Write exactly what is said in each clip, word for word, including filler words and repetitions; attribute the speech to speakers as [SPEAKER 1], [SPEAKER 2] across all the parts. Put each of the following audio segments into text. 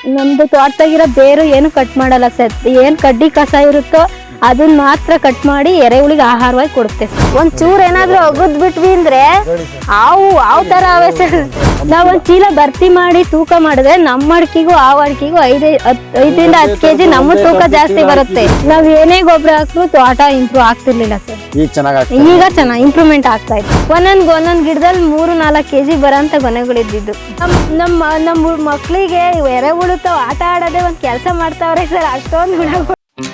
[SPEAKER 1] ನಮ್ದು ತೋಟದಾಗಿರೋ ಬೇರು ಏನು ಕಟ್ ಮಾಡಲ್ಲ ಸರ್. ಏನ್ ಕಡ್ಡಿ ಕಸ ಇರುತ್ತೋ ಅದನ್ನ ಮಾತ್ರ ಕಟ್ ಮಾಡಿ ಎರೆಹುಳಿಗೆ ಆಹಾರವಾಗಿ ಕೊಡುತ್ತೆ. ಒಂದ್ ಚೂರ್ ಏನಾದ್ರು ಅಗದ್ ಬಿಟ್ವಿ ಅಂದ್ರೆ ಆವು ಆವ್ ತರ ಅವೆ ಸರ್. ನಾವ್ ಒಂದ್ ಚೀಲ ಭರ್ತಿ ಮಾಡಿ ತೂಕ ಮಾಡಿದ್ರೆ ನಮ್ಮ ಅಡಿಕೆಗೂ ಆ ಅಡಿಕೆಗೂ ಐದ್ ಐದರಿಂದ ಹತ್ತು ಕೆಜಿ ನಮ್ಮ ತೂಕ ಜಾಸ್ತಿ ಬರುತ್ತೆ. ನಾವ್ ಏನೇ ಗೊಬ್ಬರ ಹಾಕ್ರು ತೋಟ ಇಂಪ್ರೂವ್ ಆಗ್ತಿರ್ಲಿಲ್ಲ ಸರ್.
[SPEAKER 2] ಈಗ ಚೆನ್ನಾಗಿ
[SPEAKER 1] ಈಗ ಚೆನ್ನಾಗಿ ಇಂಪ್ರೂವ್ಮೆಂಟ್ ಆಗ್ತಾ ಇತ್ತು. ಒಂದೊಂದ್ ಒಂದೊಂದ್ ಗಿಡದಲ್ಲಿ ಮೂರು ನಾಲ್ಕು ಕೆಜಿ ಬರೋಂತ ಗೊನೆಗಳಿದ್ದು. ನಮ್ ನಮ್ಮ ನಮ್ಮ ಮಕ್ಳಿಗೆ ಎರೆಹುಳು ತಾವ್ ಆಟ ಆಡೋದೇ ಒಂದ್ ಕೆಲ್ಸ ಮಾಡ್ತಾವ್ರೆ ಸರ್. ಅಷ್ಟೊಂದು ಗುಣಗಳು.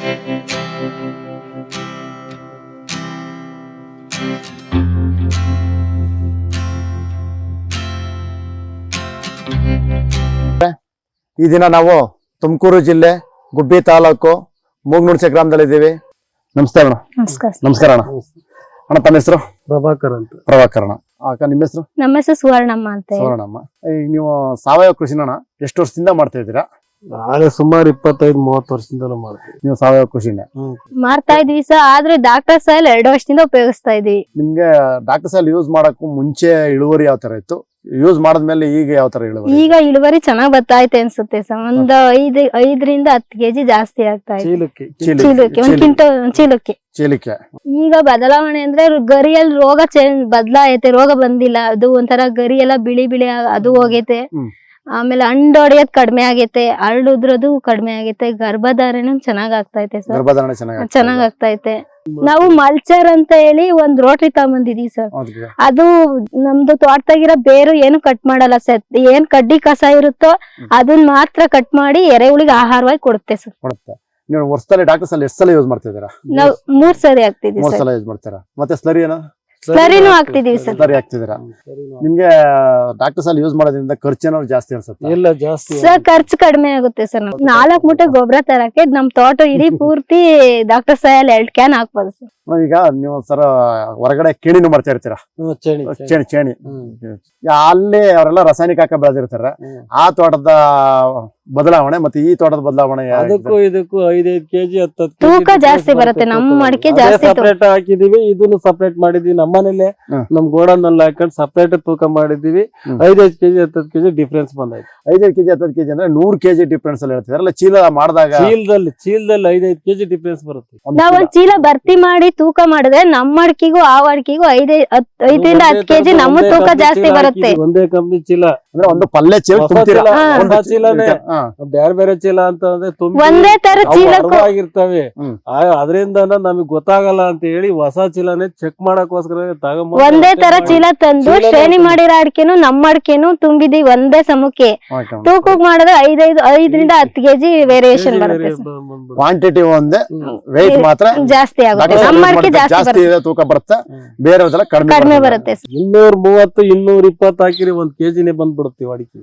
[SPEAKER 2] ಈ ದಿನ ನಾವು ತುಮಕೂರು ಜಿಲ್ಲೆ ಗುಬ್ಬಿ ತಾಲೂಕು ಮೂಗ್ನುಣಸೆ ಗ್ರಾಮದಲ್ಲಿದ್ದೀವಿ. ನಮಸ್ತೆ ಅಣ್ಣ.
[SPEAKER 1] ನಮಸ್ಕಾರ.
[SPEAKER 2] ನಮಸ್ಕಾರ ಅಣ್ಣ. ಅಣ್ಣ ತಮ್ಮ ಹೆಸರು?
[SPEAKER 3] ಪ್ರಭಾಕರ್ ಅಂತ.
[SPEAKER 2] ಪ್ರಭಾಕರ್ ಅಣ್ಣ. ಅಕ್ಕ ನಿಮ್ಮ ಹೆಸರು?
[SPEAKER 1] ನಮ್ಮ ಹೆಸರು ಸುವರ್ಣಮ್ಮ ಅಂತ.
[SPEAKER 2] ಸುವರ್ಣಮ್ಮ. ಈಗ ನೀವು ಸಾವಯವ ಕೃಷಿನ ಎಷ್ಟು ವರ್ಷದಿಂದ ಮಾಡ್ತಾ ಇದ್ದೀರಾ?
[SPEAKER 3] ನಾಳೆ ಸುಮಾರು ಇಪ್ಪತ್ತೈದು ಮೂವತ್ತು ವರ್ಷದಿಂದ ಮಾಡ್ತೀವಿ.
[SPEAKER 2] ನೀವು ಸಾವಯವ ಕೃಷಿನೇ
[SPEAKER 1] ಮಾಡ್ತಾ ಇದ್ವಿ ಸರ್. ಆದ್ರೆ ಡಾಕ್ಟರ್ ಸಾಯಿಲ್ ಎರಡು ವರ್ಷದಿಂದ ಉಪಯೋಗಿಸ್ತಾ ಇದ್ವಿ.
[SPEAKER 2] ನಿಮ್ಗೆ ಡಾಕ್ಟರ್ ಸಾಯಿಲ್ ಯೂಸ್ ಮಾಡಕ್ಕೂ ಮುಂಚೆ ಇಳುವರಿ ಯಾವ ತರ ಇತ್ತು? ಯೂಸ್ ಮಾಡದ್ಮೇಲೆ ಈಗ ಯಾವ ತರ ಇಳುವರಿ?
[SPEAKER 1] ಈಗ ಇಳುವರಿ ಚೆನ್ನಾಗ್ ಬರ್ತಾ ಐತೆ ಅನ್ಸುತ್ತೆ ಸರ್. ಒಂದ್ ಐದ್ ಐದರಿಂದ ಹತ್ತು ಕೆಜಿ ಜಾಸ್ತಿ ಆಗ್ತಾ ಇದೆ.
[SPEAKER 3] ಚೀಲಕ್ಕೆ
[SPEAKER 1] ಚೀಲಕ್ಕೆ ಒಂದ್ ಕ್ವಿಂಟಲ್ ಚೀಲಕ್ಕೆ
[SPEAKER 2] ಚೀಲಕ್ಕೆ.
[SPEAKER 1] ಈಗ ಬದಲಾವಣೆ ಅಂದ್ರೆ ಗರಿಯಲ್ಲಿ ರೋಗ ಚೇಂಜ್ ಬದಲಾಗೈತೆ. ರೋಗ ಬಂದಿಲ್ಲ. ಅದು ಒಂಥರ ಗರಿ ಎಲ್ಲ ಬಿಳಿ ಬಿಳಿ ಅದು ಹೋಗೈತೆ. ಆಮೇಲೆ ಹಣ್ಣು ಹೊಡೆಯೋದ್ ಕಡಿಮೆ ಆಗೈತೆ. ಹರಡುದ್ರದು ಕಡಿಮೆ ಆಗೈತೆ. ಗರ್ಭಧಾರಣೆ ಚೆನ್ನಾಗ್ ಆಗ್ತೈತೆ ಸರ್.
[SPEAKER 2] ಗರ್ಭಧಾರಣೆ ಚೆನ್ನಾಗಿ
[SPEAKER 1] ಚೆನ್ನಾಗ್ ಆಗ್ತೈತೆ. ನಾವು ಮಲ್ಚರ್ ಅಂತ ಹೇಳಿ ಒಂದ್ ರೋಟ್ರಿ ತಗೊಂಬಂದಿದೀವಿ ಸರ್. ಅದು ನಮ್ದು ತೋಟದಾಗಿರೋ ಬೇರು ಏನು ಕಟ್ ಮಾಡಲ್ಲ ಸರ್. ಏನ್ ಕಡ್ಡಿ ಕಸ ಇರುತ್ತೋ ಅದನ್ನ ಮಾತ್ರ ಕಟ್ ಮಾಡಿ ಎರೆಹುಳಿಗೆ ಆಹಾರವಾಗಿ ಕೊಡುತ್ತೆ ಸರ್.
[SPEAKER 2] ಕೊಡುತ್ತೆ. ನೀವು ವರ್ಷದಲ್ಲಿ ಡಾಕ್ಟರ್ ಸಾಯಿಲ್ ಎಷ್ಟು ಸಲ ಯೂಸ್ ಮಾಡ್ತಿದ್ದೀರಾ?
[SPEAKER 1] ನಾವ್ ಮೂರ್ ಸರಿ ಹಾಕ್ತಿದೀವಿ
[SPEAKER 2] ಮೂರ್
[SPEAKER 1] ಸರ್.
[SPEAKER 2] ಸಲ ಯೂಸ್ ಮಾಡ್ತೀರಾ? ಮತ್ತೆ ಸ್ಲರಿ ಏನೋ
[SPEAKER 1] ಸ್ಲರಿನೂ ಹಾಕ್ತಿದೀವಿ ಸರ್.
[SPEAKER 2] ಸ್ಲರಿ ಹಾಕ್ತಿದ್ದೀರಾ? ನಿಮ್ಗೆ ಡಾಕ್ಟರ್ ಸಾಯಿಲ್ ಯೂಸ್ ಮಾಡೋದ್ರಿಂದ ಖರ್ಚು ಏನಾದ್ರು ಜಾಸ್ತಿ ಅನ್ಸುತ್ತೆ?
[SPEAKER 3] ಎಲ್ಲ ಜಾಸ್ತಿ
[SPEAKER 1] ಸರ್ ಖರ್ಚು ಕಡಿಮೆ ಆಗುತ್ತೆ ಸರ್. ನಾಲ್ಕು ಮೂಟೆ ಗೊಬ್ಬರ ತರಕ್ಕೆ ನಮ್ ತೋಟ ಇಡೀ ಪೂರ್ತಿ ಡಾಕ್ಟರ್ ಸಾಯಿಲ್ ಎರಡ್ ಕ್ಯಾನ್ ಹಾಕ್ಬೋದು ಸರ್.
[SPEAKER 2] ಈಗ ನೀವು ಸರ ಹೊರಗಡೆ ಕೇಣಿನೂ ಮಾಡ್ತಾ ಇರ್ತೀರಾ?
[SPEAKER 3] ಚೇಣಿ
[SPEAKER 2] ಚೇಣಿ ಚೇಣಿ ಅಲ್ಲಿ ಅವರೆಲ್ಲ ರಾಸಾಯನಿಕ ಹಾಕ ಬೆಳೆದಿರ್ತಾರೆ. ಆ ತೋಟದ ಬದಲಾವಣೆ ಮತ್ತೆ ಈ ತೋಟದ ಬದಲಾವಣೆ
[SPEAKER 3] ಅದಕ್ಕೂ ಇದಕ್ಕೂ ಐದೈದು ಕೆಜಿ ಹತ್ತು
[SPEAKER 1] ತೂಕ ಜಾಸ್ತಿ ಬರುತ್ತೆ. ನಮ್ಮ ಅಡಿಕೆ ಜಾಸ್ತಿ
[SPEAKER 3] ಸಪರೇಟ್ ಹಾಕಿದೀವಿ. ಇದನ್ನು ಸಪರೇಟ್ ಮಾಡಿದೀವಿ. ನಮ್ಮನೇಲೆ ನಮ್ ಗೋಡನ್ ನಲ್ಲಿ ಹಾಕೊಂಡು ಸಪರೇಟ್ ತೂಕ ಮಾಡಿದೀವಿ. ಐದೈದು ಕೆಜಿ ಹತ್ತತ್ತು ಕೆಜಿ ಡಿಫ್ರೆನ್ಸ್ ಬಂದೈತೆ.
[SPEAKER 2] ಐದೈದು ಕೆಜಿ ಹತ್ತತ್ತು ಕೆಜಿ ಅಂದ್ರೆ ನೂರ್ ಕೆಜಿ ಡಿಫ್ರೆನ್ಸ್ ಅಲ್ಲಿ ಹೇಳ್ತಿದಾರಲ್ಲ. ಚೀಲ ಮಾಡಿದಾಗ
[SPEAKER 3] ಚೀಲದಲ್ಲಿ ಚೀಲದಲ್ಲಿ ಐದೈದು ಕೆಜಿ ಡಿಫ್ರೆನ್ಸ್ ಬರುತ್ತೆ.
[SPEAKER 1] ನಾವ್ ಒಂದ್ ಚೀಲ ಭರ್ತಿ ಮಾಡಿ ತೂಕ ಮಾಡಿದ್ರೆ ನಮ್ಮ ಅಡಿಕೆಗೂ ಆ ಅಡಿಕೆಗೂ ಐದ್ ಐದರಿಂದ ಹತ್ತು ಕೆಜಿ ನಮ್ಮ ತೂಕ ಜಾಸ್ತಿ ಬರುತ್ತೆ.
[SPEAKER 3] ಒಂದೇ ಕಂಪ್ನಿ ಚೀಲ
[SPEAKER 2] ಅಂದ್ರೆ ಒಂದು ಪಲ್ಲೆ ಚೀಲ ತುಂಬ್ತೀರಾ?
[SPEAKER 3] ಹೊಸ ಚೀಲನೇ ಬೇರೆ ಬೇರೆ ಚೀಲ ಅಂತ ಅಂದ್ರೆ
[SPEAKER 1] ಒಂದೇ ತರ ಚೀಲ
[SPEAKER 3] ಆಗಿರ್ತವೆ. ಅದರಿಂದ ನಮಗ್ ಗೊತ್ತಾಗಲ್ಲ ಅಂತ ಹೇಳಿ ಹೊಸ ಚೀಲನೇ ಚೆಕ್ ಮಾಡಕ್ಕೋಸ್ಕರ ತಗೊಂಡ್
[SPEAKER 1] ಒಂದೇ ತರ ಚೀಲ ತಂದು ಶ್ರೇಣಿ ಮಾಡಿರೋ ಅಡಿಕೆನು ನಮ್ಮ ಅಡಿಕೆನು ತುಂಬಿದೀವಿ ಒಂದೇ ಸಮಕ್ಕೆ. ತೂಕಕ್ ಮಾಡಿದ್ರೆ ಐದೈದು ಐದರಿಂದ ಹತ್ತು ಕೆಜಿ ವೇರಿಯೇಷನ್ ಬರುತ್ತೆ.
[SPEAKER 2] ಕ್ವಾಂಟಿಟಿ ಒಂದೇ, ವೆಯ್ಟ್ ಮಾತ್ರ
[SPEAKER 1] ಜಾಸ್ತಿ ಆಗುತ್ತೆ. ನಮ್ಮ ಅಡಿಕೆ ಜಾಸ್ತಿ
[SPEAKER 2] ತೂಕ ಬರುತ್ತೆ, ಬೇರೆ
[SPEAKER 1] ಕಡಿಮೆ ಬರುತ್ತೆ.
[SPEAKER 3] ಇನ್ನೂರ್ ಮೂವತ್ತು ಇನ್ನೂರ್ ಇಪ್ಪತ್ತು ಹಾಕಿರಿ ಒಂದ್ ಕೆಜಿನೇ ಬಂದ್ಬಿಡುತ್ತೀವಿ ಅಡಿಕೆ.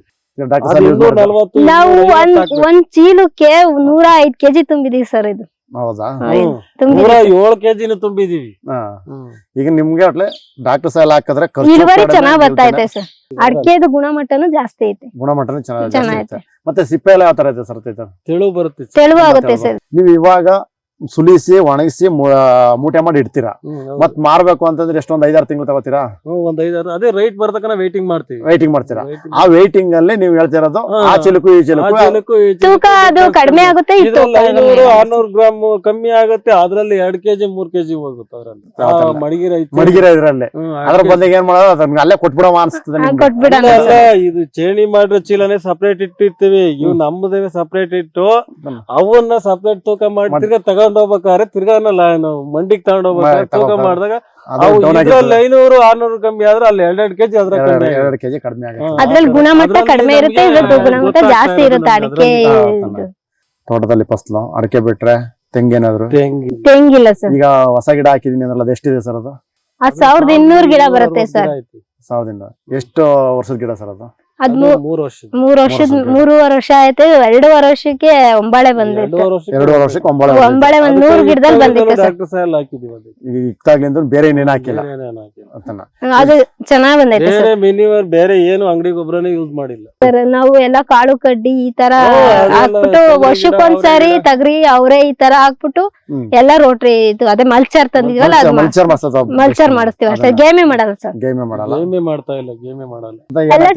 [SPEAKER 1] ನಾವು ಒಂದ್ ಒಂದ್ ಚೀಲಕ್ಕೆ ನೂರ ಐದ್ ಕೆಜಿ ತುಂಬಿದೀವಿ ಸರ್. ಇದು
[SPEAKER 2] ಹೌದಾ?
[SPEAKER 3] ನೂರ ಏಳು ಕೆಜಿನ ತುಂಬಿದೀವಿ.
[SPEAKER 2] ಈಗ ನಿಮ್ಗೆ ಒಟ್ಲೆ ಡಾಕ್ಟರ್ ಸಾಯಿಲ್ ಹಾಕಿದ್ರೆ
[SPEAKER 1] ಇಳುವರಿ ಚೆನ್ನಾಗ್ ಬರ್ತಾ ಐತೆ ಸರ್. ಅಡಿಕೆದು ಗುಣಮಟ್ಟನು ಜಾಸ್ತಿ ಐತೆ.
[SPEAKER 2] ಗುಣಮಟ್ಟನು ಚೆನ್ನಾಗಿದೆ. ಮತ್ತೆ ಸಿಪ್ಪೆ ಎಲ್ಲ ಯಾವ ತರ ಇದೆ ಸರ್?
[SPEAKER 3] ತೆಳು ಬರುತ್ತೆ.
[SPEAKER 1] ತೆಳುವು ಆಗುತ್ತೆ ಸರ್.
[SPEAKER 2] ನೀವು ಇವಾಗ ಸುಲಿಸಿ ಒಣಗಿಸಿ ಮೂಟೆ ಮಾಡಿ ಇಡ್ತೀರಾ. ಮತ್ ಮಾರ್ಬೇಕು ಅಂತಂದ್ರೆ ಎಷ್ಟೊಂದ್ ಐದಾರು ತಿಂಗಳು ತಗೋತೀರಾ?
[SPEAKER 3] ಒಂದ್ ಐದಾರು ಅದೇ ರೈಟ್ ಬರ್ತಕನ ವೇಟಿಂಗ್ ಮಾಡ್ತೀವಿ.
[SPEAKER 2] ವೇಟಿಂಗ್ ಮಾಡ್ತೀರಾ? ಆ ವೇಟಿಂಗ್ ಅಲ್ಲಿ ನೀವು ಹೇಳ್ತಿರೋದು ಆ ಚೀಲಕ್ಕೂ ಈ ಚೀಲಕ್ಕೂ
[SPEAKER 1] ತೂಕ ಅದು ಕಡಿಮೆ ಆಗುತ್ತೆ.
[SPEAKER 3] ಐನೂರು ಆರ್ನೂರು ಗ್ರಾಮ್ ಕಮ್ಮಿ ಆಗುತ್ತೆ. ಅದ್ರಲ್ಲಿ ಎರಡ್ ಕೆಜಿ ಮೂರ್ ಕೆಜಿ ಹೋಗುತ್ತೆ. ಅದ್ರಲ್ಲಿ ಮಡಗಿರ
[SPEAKER 2] ಮಡಗಿರ ಇದ್ರಲ್ಲಿ ಅದ್ರ ಬಂದಾಗ ಏನ್ ಮಾಡೋದು ಅದನ್ನ ಅಲ್ಲೇ ಕೊಟ್ಬಿಡೋ ಅನ್ಸ್ತದೆ.
[SPEAKER 3] ಇದು ಚೇಣಿ ಮಾಡಿರೋ ಚೀಲನೇ ಸಪರೇಟ್ ಇಟ್ಟಿರ್ತೀವಿ. ಇವ್ ನಮ್ಮದೇ ಸಪರೇಟ್ ಇಟ್ಟು ಅವನ್ನ ಸಪರೇಟ್ ತೂಕ ಮಾಡ್ತಿರ್ಗ ತಗೊಂಡ್ ಹೋಗ್ಬೇಕಾದ್ರೆ ತಿರ್ಗಾ ನಾವು ಮಂಡಿಗೆ ತಗೊಂಡ್ ಹೋಗ್ಬೇಕಾದ್ರೆ ತೂಕ ಮಾಡಿದಾಗ ಐನೂರು ಆರ್ನೂರು ಕಮ್ಮಿ ಆದ್ರೆ ಅಲ್ಲಿ ಎರಡೆರಡು ಕೆಜಿ ಅದ್ರ
[SPEAKER 2] ಎರಡು ಕೆಜಿ ಕಡಿಮೆ ಆಗುತ್ತೆ.
[SPEAKER 1] ಅದ್ರಲ್ಲಿ ಗುಣಮಟ್ಟ ಕಡಿಮೆ ಇರುತ್ತೆ, ಇದ್ರದ್ದು ಗುಣಮಟ್ಟ ಜಾಸ್ತಿ ಇರುತ್ತೆ. ಅಡಿಕೆ
[SPEAKER 2] ತೋಟದಲ್ಲಿ ಫಸಲು ಅಡಿಕೆ ಬಿಟ್ರೆ ತೆಂಗೇನಾದ್ರು?
[SPEAKER 1] ತೆಂಗಿಲ್ಲ ಸರ್.
[SPEAKER 2] ಈಗ ಹೊಸ ಗಿಡ ಹಾಕಿದೀನಿ ಅಂದ್ರೆ ಅದು ಎಷ್ಟಿದೆ ಸರ್? ಅದು
[SPEAKER 1] ಸಾವಿರದ ಇನ್ನೂರು ಗಿಡ ಬರುತ್ತೆ ಸರ್.
[SPEAKER 2] ಸಾವಿರದ ಇನ್ನೂರು. ಎಷ್ಟು ವರ್ಷದ ಗಿಡ ಸರ್ ಅದು?
[SPEAKER 1] ಅದ್ ಮೂರ್ ವರ್ಷದ ಮೂರುವರೆ ವರ್ಷ ಆಯ್ತು. ಎರಡೂವರೆ ವರ್ಷಕ್ಕೆ ಒಂಬಾಳೆ ಬಂದಿತ್ತು.
[SPEAKER 2] ಎರಡೂವರೆ ವರ್ಷಕ್ಕೆ ಒಂಬಾಳೆ
[SPEAKER 1] ಒಂಬಾಳೆ ಒಂದ್ ನೂರ್ ಗಿಡದಲ್ಲಿ ಬಂದಿತ್ತು ಸರ್.
[SPEAKER 2] ಇಕ್ತಾಗ್ಲಿಂದ ಬೇರೆ ಇನ್ನೇನು ಹಾಕಿಲ್ಲ.
[SPEAKER 1] ಅದು ಚೆನ್ನಾಗ್ ಬಂದೈತೆ ಸರ್.
[SPEAKER 3] ಮಿನಿಮಮ್ ಬೇರೆ ಏನು ಅಂಗಡಿ ಗೊಬ್ಬರನೇ ಯೂಸ್ ಮಾಡಿಲ್ಲ
[SPEAKER 1] ಸರ್. ನಾವು ಎಲ್ಲಾ ಕಾಳು ಕಡ್ಡಿ ಈ ತರ ಹಾಕ್ಬಿಟ್ಟು ವರ್ಷಕ್ಕೊಂದ್ಸರಿ ತಗರಿ ಅವರೇ ಈ ತರ ಹಾಕ್ಬಿಟ್ಟು ಎಲ್ಲಾ ರೋಟ್ರಿ ಇದು ಅದೇ ಮಲ್ಚರ್ ತಂದಿದ್ವಲ್ಲ ಅದು ಮಲ್ಚರ್ ಮಾಡಿಸ್ತೀವಿ ಅಷ್ಟೇ. ಗೇಮೆ ಮಾಡಲ್ಲ ಸರ್.
[SPEAKER 2] ಗೇಮೆ ಮಾಡಲ್ಲ.
[SPEAKER 3] ಗೇಮೆ ಮಾಡ್ತಾ ಇಲ್ಲ. ಗೇಮೆ ಮಾಡಲ್ಲ
[SPEAKER 1] ಅಲ್ಲ ಸರ್. ಮುಂಚೆ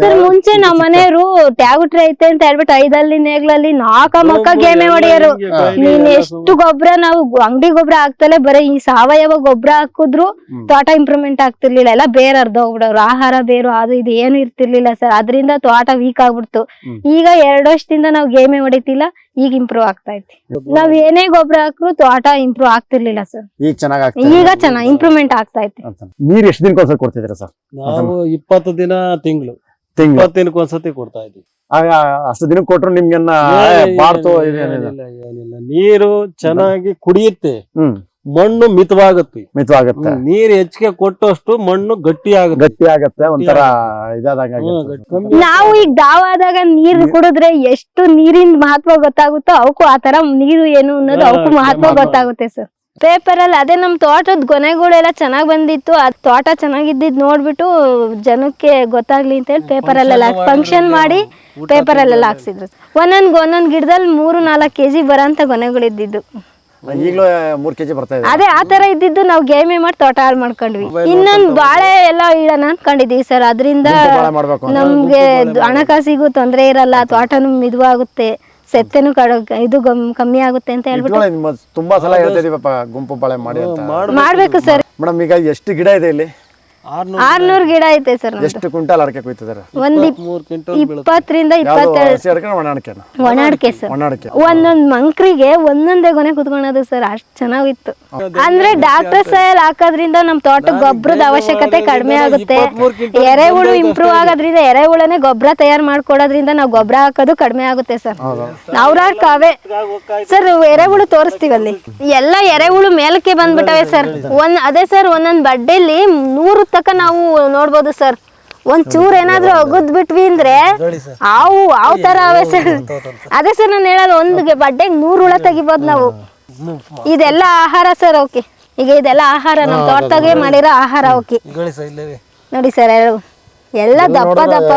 [SPEAKER 1] ಮುಂಚೆ ನಮ್ಮ ಮನೆಯವರು ಟ್ಯಾಗುಟ್ರಿ ಐತೆ ಅಂತ ಹೇಳ್ಬಿಟ್ಟು ಐದಲ್ಲಿ ನೇಗ್ಲಲ್ಲಿ ನಾಲ್ಕ ಮಕ್ಕ ಗೇಮೆ ಹೊಡೆಯರು. ನೀನ್ ಎಷ್ಟು ಗೊಬ್ಬರ ನಾವು ಅಂಗಡಿ ಗೊಬ್ಬರ ಹಾಕ್ತಲೇ ಬರೀ ಈ ಸಾವಯವ ಗೊಬ್ಬರ ಹಾಕಿದ್ರು ತೋಟ ಇಂಪ್ರೂವ್ಮೆಂಟ್ ಆಗ್ತಿರ್ಲಿಲ್ಲ. ಎಲ್ಲ ಬೇರೆ ಅರ್ಧ ಹೋಗ್ಬಿಡವ್ರು, ಆಹಾರ ಬೇರು ಅದು ಇದು ಏನು ಇರ್ತಿರ್ಲಿಲ್ಲ ಸರ್. ಅದರಿಂದ ತೋಟ ವೀಕ್ ಆಗ್ಬಿಡ್ತು. ಈಗ ಎರಡು ವರ್ಷದಿಂದ ನಾವು ಗೇಮೆ ಹೊಡಿತಿಲ್ಲ, ಈಗ ಇಂಪ್ರೂವ್ ಆಗ್ತಾ ಐತಿ. ನಾವ್ ಏನೇ ಗೊಬ್ಬರ ಹಾಕ್ರು ತೋಟ ಇಂಪ್ರೂವ್ ಆಗ್ತಿರ್ಲಿಲ್ಲ ಸರ್.
[SPEAKER 2] ಈಗ ಚೆನ್ನಾಗಿ
[SPEAKER 1] ಈಗ ಚೆನ್ನಾಗಿ ಇಂಪ್ರೂವ್ಮೆಂಟ್ ಆಗ್ತಾ ಐತಿ.
[SPEAKER 2] ನೀರ್ ಎಷ್ಟು ದಿನಕ್ಕೊಂದ್ಸಲ ಕೊಡ್ತಿದ್ದೀರಾ ಸರ್?
[SPEAKER 3] ನಾವು ಇಪ್ಪತ್ತು ದಿನ ತಿಂಗಳು
[SPEAKER 2] ತಿಂಗಳು
[SPEAKER 3] ಇಪ್ಪತ್ತು ದಿನಕ್ಕೊಂದ್ಸತಿ ಕೊಡ್ತಾ ಇದ್ವಿ.
[SPEAKER 2] ಆಗ ಅಷ್ಟು ದಿನಕ್ಕೆ ಕೊಟ್ರು ನಿಮ್ಗೆನ್ನ ಬಾರ್ತು ಇದೇನಿಲ್ಲ.
[SPEAKER 3] ಏನಿಲ್ಲ, ನೀರು ಚೆನ್ನಾಗಿ ಕುಡಿಯುತ್ತೆ,
[SPEAKER 2] ಹ್ಮ್
[SPEAKER 3] ಮಣ್ಣು ಮಿತವಾಗುತ್ತೆ.
[SPEAKER 2] ಮಿತವಾಗುತ್ತೆ,
[SPEAKER 3] ನೀರ್ ಹೆಚ್ಚಿಗೆ ಕೊಟ್ಟಷ್ಟು ಮಣ್ಣು ಗಟ್ಟಿ ಆಗುತ್ತೆ,
[SPEAKER 2] ಗಟ್ಟಿ ಆಗತ್ತೆ, ಒಂಥರ ಇದಾದಂಗ.
[SPEAKER 1] ನಾವು ಈಗ ದಾವಾದಾಗ ನೀರ್ ಕುಡಿದ್ರೆ ಎಷ್ಟು ನೀರಿನ ಮಹತ್ವ ಗೊತ್ತಾಗುತ್ತೋ ಅವಕ್ಕೂ ಆತರ ನೀರು ಏನು ಅನ್ನೋದು ಅವಕ್ಕೂ ಮಹತ್ವ ಗೊತ್ತಾಗುತ್ತೆ ಸರ್. ಪೇಪರ್ ಅಲ್ಲಿ ಅದೇ ನಮ್ ತೋಟದ ಗೊನೆಗಳೆಲ್ಲ ಚೆನ್ನಾಗ್ ಬಂದಿತ್ತು. ಅದ್ ತೋಟ ಚೆನ್ನಾಗಿದ್ದಿದ್ ನೋಡ್ಬಿಟ್ಟು ಜನಕ್ಕೆ ಗೊತ್ತಾಗ್ಲಿ ಅಂತ ಹೇಳಿ ಪೇಪರ್ ಅಲ್ಲೆಲ್ಲ ಫಂಕ್ಷನ್ ಮಾಡಿ ಪೇಪರ್ ಅಲ್ಲೆಲ್ಲ ಹಾಕ್ಸಿದ್ರು. ಒಂದೊಂದ್ ಒಂದೊಂದ್ ಗಿಡದಲ್ಲಿ ಮೂರು ನಾಲ್ಕು ಕೆಜಿ ಬರೋಂತ ಗೊನೆಗಳಿದ್ದಿದ್ದು.
[SPEAKER 2] ಈಗಲೂ ಮೂರ್ ಕೆಜಿ ಬರ್ತಾ ಇದೆ.
[SPEAKER 1] ಅದೇ ಆತರ ಇದ್ದಿದ್ದು ನಾವು ಗೇಮೆ ಮಾಡಿ ತೋಟ ಹಾಳು ಮಾಡ್ಕೊಂಡ್ವಿ. ಇನ್ನೊಂದ್ ಬಾಳೆ ಎಲ್ಲ ಇಡೋಣ ಅನ್ಕೊಂಡಿದೀವಿ ಸರ್. ಅದ್ರಿಂದ ನಮ್ಗೆ ಹಣಕಾಸಿಗೂ ತೊಂದ್ರೆ ಇರಲ್ಲ, ತೋಟನು ಮಿದುವಾಗುತ್ತೆ, ಸೆತ್ತೆನು ಇದು ಕಮ್ಮಿ ಆಗುತ್ತೆ ಅಂತ ಹೇಳ್ಬಿಟ್ಟು
[SPEAKER 2] ತುಂಬಾ ಸಲ ಹೇಳ್ತಾ ಇದೀವಪ್ಪ ಗುಂಪು ಬಾಳೆ ಮಾಡಿ ಅಂತ.
[SPEAKER 1] ಮಾಡ್ಬೇಕು ಸರ್.
[SPEAKER 2] ಮೇಡಮ್ ಈಗ ಎಷ್ಟು ಗಿಡ ಇದೆ ಇಲ್ಲಿ?
[SPEAKER 1] ಆರ್ನೂರ್ ಗಿಡ ಐತೆ ಸರ್.
[SPEAKER 2] ಎಷ್ಟು ಕ್ವಿಂಟಾಲ್ ಅಡಕೆ ಕೊಯ್ತಿದ್ದಾರೆ?
[SPEAKER 1] ಒಂದ್ ಇಪ್ಪತ್ತರಿಂದ ಇಪ್ಪತ್ತೆರಡು ಒಣ ಅಡಿಕೆ ಸರ್. ಒಂದೊಂದ್ ಮಂಕ್ರಿಗೆ ಒಂದೊಂದೇ ಗೊನೆ ಕುತ್ಕೊಳೋದು ಸರ್, ಅಷ್ಟ್ ಚೆನ್ನಾಗಿತ್ತು. ಅಂದ್ರೆ ಡಾಕ್ಟರ್ ಸಾಯಲ್ ಹಾಕೋದ್ರಿಂದ ನಮ್ ತೋಟಕ್ಕೆ ಗೊಬ್ಬರದ ಅವಶ್ಯಕತೆ ಕಡಿಮೆ ಆಗುತ್ತೆ. ಎರೆಹುಳು ಇಂಪ್ರೂವ್ ಆಗೋದ್ರಿಂದ ಎರೆಹುಳನೆ ಗೊಬ್ಬರ ತಯಾರು ಮಾಡ್ಕೊಡೋದ್ರಿಂದ ನಾವು ಗೊಬ್ಬರ ಹಾಕೋದು ಕಡಿಮೆ ಆಗುತ್ತೆ ಸರ್. ನವ್ರಾರು ಕಾವೆ ಸರ್ ಎರೆಹುಳು ತೋರಿಸ್ತೀವಲ್ಲಿ ಎಲ್ಲ ಎರೆಹುಳು ಮೇಲಕ್ಕೆ ಬಂದ್ಬಿಟ್ಟವೆ ಸರ್. ಒಂದ್ ಅದೇ ಸರ್ ಒಂದೊಂದ್ ಬಡ್ಡೆಲಿ ನೂರು ತಕ ನಾವು ನೋಡ್ಬೋದು ಸರ್. ಒಂದ್ ಚೂರ್ ಏನಾದ್ರೂ ಅಗದ್ ಬಿಟ್ವಿ ಅಂದ್ರೆ ಆವು ಆವ್ ತರ ಅವೆ ಸರ್. ಅದೇ ಸರ್ ನಾನು ಹೇಳೋದು, ಒಂದ್ ಬಡ್ಡೆಗೆ ನೂರ್ ಹುಳ ತೆಗಿಬೋದು ನಾವು. ಇದೆಲ್ಲ ಆಹಾರ ಸರ್ ಅವಕ್ಕೆ. ಈಗ ಇದೆಲ್ಲ ಆಹಾರ ನಮ್ ತೋಟದಾಗೆ ಮಾಡಿರೋ ಆಹಾರ ಅವಕ್ಕೆ. ನೋಡಿ ಸರ್ ಎಲ್ಲ ದಪ್ಪ ದಪ್ಪ.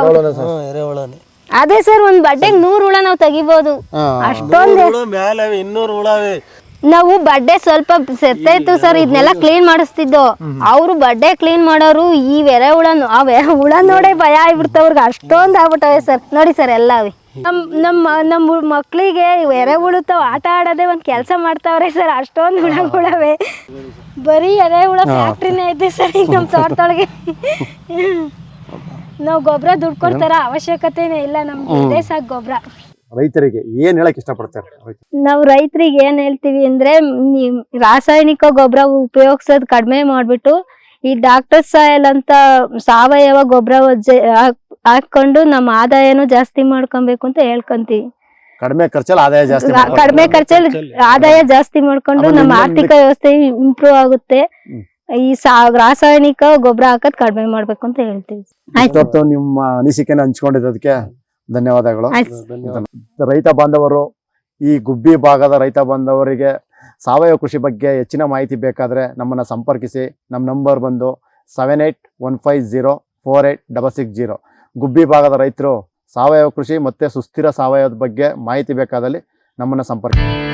[SPEAKER 1] ಅದೇ ಸರ್ ಒಂದ್ ಬಡ್ಡೆಗೆ ನೂರ್ ಹುಳ ನಾವು ತೆಗಿಬೋದು. ಅಷ್ಟೊಂದು
[SPEAKER 3] ಇನ್ನೂರು ಹುಳವೇ.
[SPEAKER 1] ನಾವು ಬಡ್ಡೆ ಸ್ವಲ್ಪ ಸೆತ್ತೈತು ಸರ್, ಇದನ್ನೆಲ್ಲ ಕ್ಲೀನ್ ಮಾಡಿಸ್ತಿದ್ದೋ. ಅವ್ರು ಬಡ್ಡೆ ಕ್ಲೀನ್ ಮಾಡೋರು ಈ ಎರೆ ಹುಳ ಅವೆ ಹುಳ ನೋಡೇ ಭಯ ಆಗ್ಬಿಡ್ತವ್ರಿಗೆ, ಅಷ್ಟೊಂದ್ ಆಗ್ಬಿಟ್ಟವೆ ಸರ್. ನೋಡಿ ಸರ್ ಎಲ್ಲ ಅವೆ. ನಮ್ ನಮ್ಮ ನಮ್ಮ ಮಕ್ಳಿಗೆ ಎರೆ ಹುಳುತ್ತಾವ ಆಟ ಆಡೋದೇ ಒಂದ್ ಕೆಲ್ಸ ಮಾಡ್ತಾವ್ರೆ ಸರ್. ಅಷ್ಟೊಂದ್ ಹುಳಗಳವೆ, ಬರೀ ಎರೆ ಹುಳ ಫ್ಯಾಕ್ಟ್ರಿನೇ ಐತೆ ಸರ್ ಈಗ ನಮ್ ತೋಟದೊಳಗೆ. ನಾವ್ ಗೊಬ್ಬರ ದುಡ್ಡು ಕೊಡ್ತಾರ ಅವಶ್ಯಕತೆನೇ ಇಲ್ಲ, ನಮ್ಗೆ ಇದೇ ಸಾಕು ಗೊಬ್ಬರ.
[SPEAKER 2] ರೈತರಿಗೆ ಏನ್ ಹೇಳಕ್ ಇಷ್ಟಪಡ್ತಾರೆ?
[SPEAKER 1] ನಾವು ರೈತರಿಗೆ ಏನ್ ಹೇಳ್ತೀವಿ ಅಂದ್ರೆ, ರಾಸಾಯನಿಕ ಗೊಬ್ಬರ ಉಪಯೋಗಿಸೋದ್ ಕಡಿಮೆ ಮಾಡ್ಬಿಟ್ಟು ಈ ಡಾಕ್ಟರ್ ಸಾಯಲ್ ಅಂತ ಸಾವಯವ ಗೊಬ್ಬರ ಹಾಕೊಂಡು ನಮ್ಮ ಆದಾಯನು ಜಾಸ್ತಿ ಮಾಡ್ಕೊಬೇಕು ಅಂತ ಹೇಳ್ಕೊಂತೀವಿ.
[SPEAKER 2] ಕಡಿಮೆ ಖರ್ಚಲ್ಲಿ ಆದಾಯ ಜಾಸ್ತಿ,
[SPEAKER 1] ಕಡಿಮೆ ಖರ್ಚಲ್ಲಿ ಆದಾಯ ಜಾಸ್ತಿ ಮಾಡ್ಕೊಂಡು ನಮ್ಮ ಆರ್ಥಿಕ ವ್ಯವಸ್ಥೆ ಇಂಪ್ರೂವ್ ಆಗುತ್ತೆ. ಈ ರಾಸಾಯನಿಕ ಗೊಬ್ಬರ ಹಾಕೋದ್ ಕಡಿಮೆ ಮಾಡ್ಬೇಕು ಅಂತ ಹೇಳ್ತೀವಿ.
[SPEAKER 2] ಆಯ್ತು, ನಿಮ್ಮ ಅನಿಸಿಕೆನ ಹಂಚ್ಕೊಂಡಿದ್ದಕ್ಕೆ ಧನ್ಯವಾದಗಳು. ರೈತ ಬಾಂಧವರು, ಈ ಗುಬ್ಬಿ ಭಾಗದ ರೈತ ಬಾಂಧವರಿಗೆ ಸಾವಯವ ಕೃಷಿ ಬಗ್ಗೆ ಹೆಚ್ಚಿನ ಮಾಹಿತಿ ಬೇಕಾದ್ರೆ ನಮ್ಮನ್ನ ಸಂಪರ್ಕಿಸಿ. ನಮ್ಮ ನಂಬರ್ ಬಂದು seven eight one five zero four eight double six zero. Gubbi ಭಾಗದ ರೈತರು ಸಾವಯವ ಕೃಷಿ ಮತ್ತೆ ಸುಸ್ಥಿರ ಸಾವಯವದ ಬಗ್ಗೆ ಮಾಹಿತಿ ಬೇಕಾದಲ್ಲಿ ನಮ್ಮನ್ನ ಸಂಪರ್ಕಿಸಿ.